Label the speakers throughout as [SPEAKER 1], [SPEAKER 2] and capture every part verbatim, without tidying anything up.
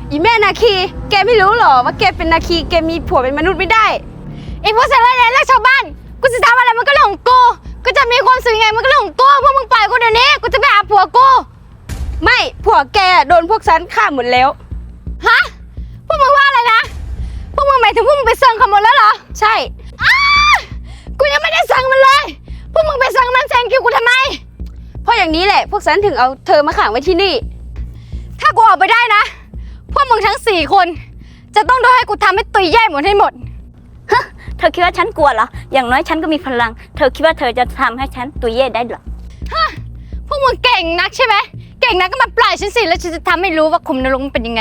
[SPEAKER 1] อีแม่นาคีแกไม่รู้หรอว่าแกเป็นนาคีแกมีผัวเป็นมนุษย์ไม่ได้
[SPEAKER 2] ไอ้พวกสารเลวและชาวบ้านกูจะทำอะไรมันก็เรื่องของกูกูจะมีความสุขยังไงมันก็เรื่องของกูพวกมึงปล่อยกูเดี๋ยวนี้กูจะไปหาผัวกู
[SPEAKER 1] ไม่ผัวแกโดนพวกฉันฆ่าหมดแล้ว
[SPEAKER 2] ฮะพวกมึงว่าอะไรนะพวกมึงหมายถึงพวกมึงไปเซิงเขาหมดแล้วเหรอ
[SPEAKER 1] ใช่
[SPEAKER 2] อ้ากูยังไม่ได้สั่งมันเลยพวกมึงไปสั่งมันแซงคิวกูทำไม
[SPEAKER 1] เพราะอย่างนี้แหละพวกฉันถึงเอาเธอมาขังไว้ที่นี่
[SPEAKER 2] ถ้ากูออกไปได้นะพวกมึงทั้งสี่คนจะต้องโดนให้กูทำให้ตุยแย่หมดให้หมด
[SPEAKER 3] ฮะเธอคิดว่าฉันกลัวเหรออย่างน้อยฉันก็มีพลังเธอคิดว่าเธอจะทำให้ฉันตุยเย่ได้เหรอ
[SPEAKER 2] ฮะพวกมึงเก่งนักใช่ไหมเก่งนักก็มาปล่อยฉันสิแล้วฉันจะทำให้รู้ว่าคุมนรกมันเป็นยังไง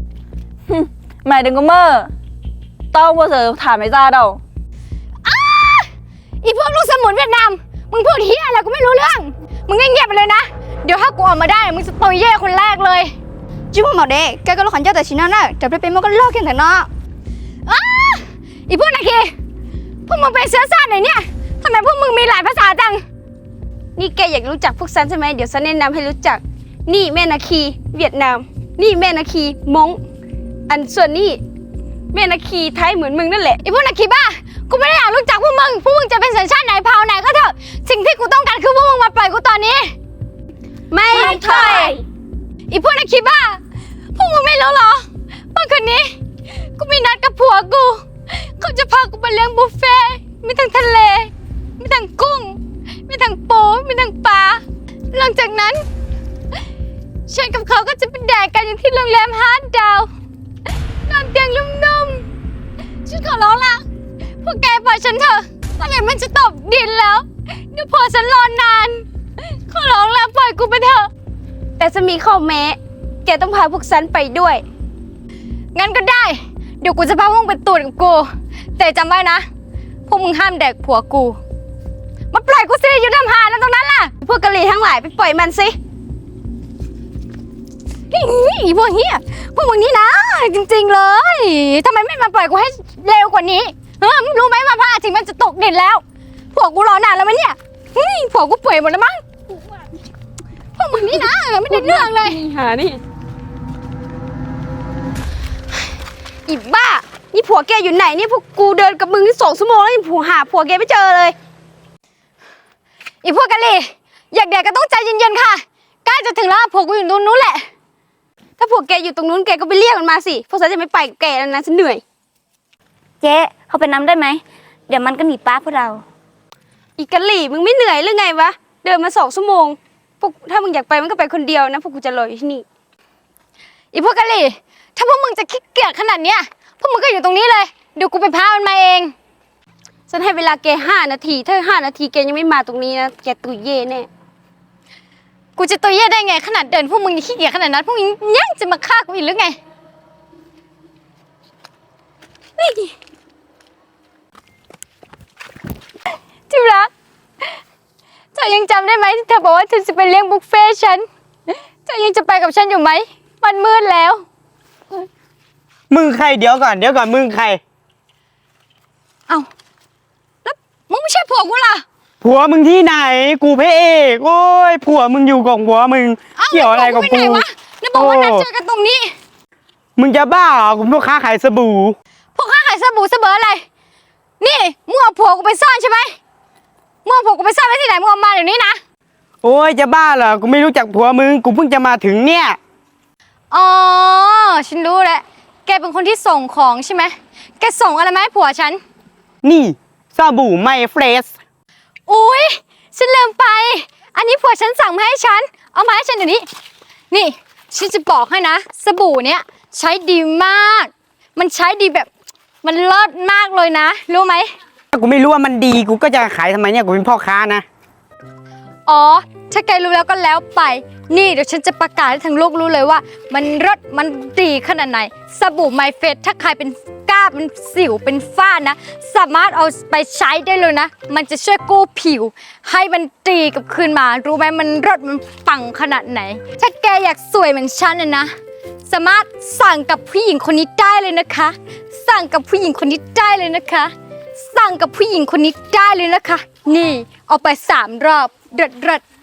[SPEAKER 4] mày đừng có mơ tao không bao giờ thả mày ra đâu
[SPEAKER 2] อ้าอีพวกลูกสมุนเวียดนามมึงพูดเฮียอะไรกูไม่รู้เรื่องมึงเงียบๆไปเลยนะเดี๋ยวถ้ากูออกมาได้มึงจะตุยเย่คนแรกเลย
[SPEAKER 1] จิ้มหมอเด็กแกก็รู้ขันเจ้าแต่ชิ้นนั้นน่ะแต่ไปเป็นมันก็เลิกกันแต่เนาะ
[SPEAKER 2] อ้าอีพวกนาคีพวกมึงเป็นเชื้อชาติไหนเนี่ยทำไมพวกมึงมีหลายภาษาจัง
[SPEAKER 1] นี่แกอยากรู้จักพวกฉันใช่ไหมเดี๋ยวฉันแนะนำให้รู้จักนี่แม่นาคีเวียดนามนี่แม่นาคีมงอันส่วนนี่แม่นาคีไทยเหมือนมึงนั่นแหละ
[SPEAKER 2] ไอ้พวกนาคีบ้ากูไม่ได้อยากรู้จักพวกมึงพวกมึงจะเป็นสัญชาติไหนเผ่าไหนก็เถอะสิ่งที่กูต้องการคือพวกมึงมาปล่อยกูตอนนี้
[SPEAKER 1] ไม่ใช่
[SPEAKER 2] ไอ้พวกนาคีบ้าพวกมึงไม่รู้หรอว่าคืนนี้กูมีนัดกับผัวกูเขาจะพากูไปเลี้ยงบุฟเฟ่มีทั้งทะเลมีทั้งกุ้งมีทั้งปูมีทั้งปลาหลังจากนั้นฉันกับเขาก็จะไปแดกกันอยู่ที่โรงแรมห้าดาวนอนเตียงนุ่มๆฉันขอร้องละพวกแกปล่อยฉันเถอะถ้าไม่มันจะตกดินแล้วเดี๋ยวพอฉันรอนานขอร้องแล้วปล่อยกูไปเถอะ
[SPEAKER 1] แต่จะมีข้อแม้แกต้องพาพวกฉันไปด้วย
[SPEAKER 2] งั้นก็ได้เดี๋ยวกูจะพาพวกมึงไปตูดกับกูแต่จำไว้นะพวกมึงห้ามแดกผัวกูมาปล่อยกูสิอยู่ทำหาแล้วตรงนั้นล่ะ
[SPEAKER 1] พวกกะหรี่ทั้งหลายไปปล่อยมันสิ
[SPEAKER 2] อีพวกเฮียพวกมึงนี่นะจริงๆเลยทำไมไม่มาปล่อยกูให้เร็วกว่านี้เออรู้ไหมว่าพระอาทิตย์มันจะตกดินแล้วผัวกูรอนานแล้วมั้ยเนี่ยผัวกูป่วยหมดแล้วมั้งพวกมึงนี่นะไม่ได้เรื่องเลย
[SPEAKER 1] หานี่อีบ้านี่ผัวแกอยู่ไหนนี่พวกกูเดินกับมึงที่สองชั่วโมงแล้วยังผัวหาผัวแกไม่เจอเลย
[SPEAKER 2] อีพวกกะหรี่อยากแดกก็ต้องใจเย็นๆค่ะใกล้จะถึงแล้วผัวกูอยู่ตรงนู้นแหละ
[SPEAKER 1] ถ้าผัวแกอยู่ตรงนู้นแกก็ไปเรียกมันมาสิพวกฉันจะไม่ไปกับแกแล้วนะฉันเหนื่อย
[SPEAKER 3] เจ๊เขาไปน้ำได้ไหมเดี๋ยวมันก็หนีป้าพวกเรา
[SPEAKER 1] อีกะหรี่มึงไม่เหนื่อยหรือไงวะเดินมาสองชั่วโมงพวกถ้ามึงอยากไปมันก็ไปคนเดียวนะพวกกูจะรออยู่ที่นี่
[SPEAKER 2] อีพวกกะหรี่ถ้าพวกมึงจะขี้เกียจขนาดเนี้ยพวกมึงก็อยู่ตรงนี้เลยเดี๋ยวกูไปพามันมาเอง
[SPEAKER 1] ฉันให้เวลาแกห้านาทีถ้าห้านาทีแกยังไม่มาตรงนี้นะแกตุยเย่แน่
[SPEAKER 2] กูจะตุยเย่ได้ไงขนาดเดินพวกมึงขี้เกียจขนาดนั้นพวกมึงยังจะมาฆ่ากูอีกหรือไงจิ๋วรักเธอยังจำได้ไหมที่เธอบอกว่าเธอจะไปเลี้ยงบุฟเฟ่ฉันเธอยังจะไปกับฉันอยู่ไหมมันมืดแล้ว
[SPEAKER 5] มึงใครเดี๋ยวก่อนเดี๋ยวก่อนมึงใคร
[SPEAKER 2] เอ้าแล้วมึงไม่ใช่ผัวกูล่ะ
[SPEAKER 5] ผัวมึงที่ไหนกูพระเอกโอ้ยผัวมึงอยู่กับผัวมึงเกี่ยวอะไรกับกู
[SPEAKER 2] แล้วบอกว่านัดเจอกันตรงนี้
[SPEAKER 5] มึงจะบ้าเหรอกูพ่อค้าขายสบู่
[SPEAKER 2] พ่อค้าขายสบู่เสมออะไรนี่มึงเอาผัวกูไปซ่อนใช่ไหมมึงเอาผัวกูไปซ่อนไว้ที่ไหนมึงเอามาเดี๋ยวนี้นะ
[SPEAKER 5] โอ้ยจะบ้าเหรอกูไม่รู้จักผัวมึงกูเพิ่งจะมาถึงเนี่ย
[SPEAKER 2] อ๋อฉันรู้แล้วแกเป็นคนที่ส่งของใช่ไหมแกส่งอะไรมาให้ผัวฉัน
[SPEAKER 5] นี่สบู่ไมเฟรช
[SPEAKER 2] อุ้ยฉันลืมไปอันนี้ผัวฉันสั่งมาให้ฉันเอามาให้ฉันเดี๋ยวนี้นี่ฉันจะบอกให้นะสบู่เนี้ยใช้ดีมากมันใช้ดีแบบมันเลิศมากเลยนะรู้ไหม
[SPEAKER 5] ถ้ากูไม่รู้ว่ามันดีกูก็จะขายทำไมเนี่ยกูเป็นพ่อค้านะ
[SPEAKER 2] อ๋อถ้าแกรู้แล้วก็แล้วไปนี่เดี๋ยวฉันจะประกาศให้ทั้งโลกรู้เลยว่ามันรสมันดีขนาดไหนสบู่ไมเฟสถ้าใครเป็นก้าเป็นสิวเป็นฝ้านะสามารถเอาไปใช้ได้เลยนะมันจะช่วยกู้ผิวให้มันดีกับคืนมารู้ไหมมันรสมันปังขนาดไหนถ้าแกอยากสวยเหมือนฉันนะนะสามารถสั่งกับผู้หญิงคนนี้ได้เลยนะคะสั่งกับผู้หญิงคนนี้ได้เลยนะคะสั่งกับผู้หญิงคนนี้ได้เลยนะคะนี่เอาไปสามรอบเด็ด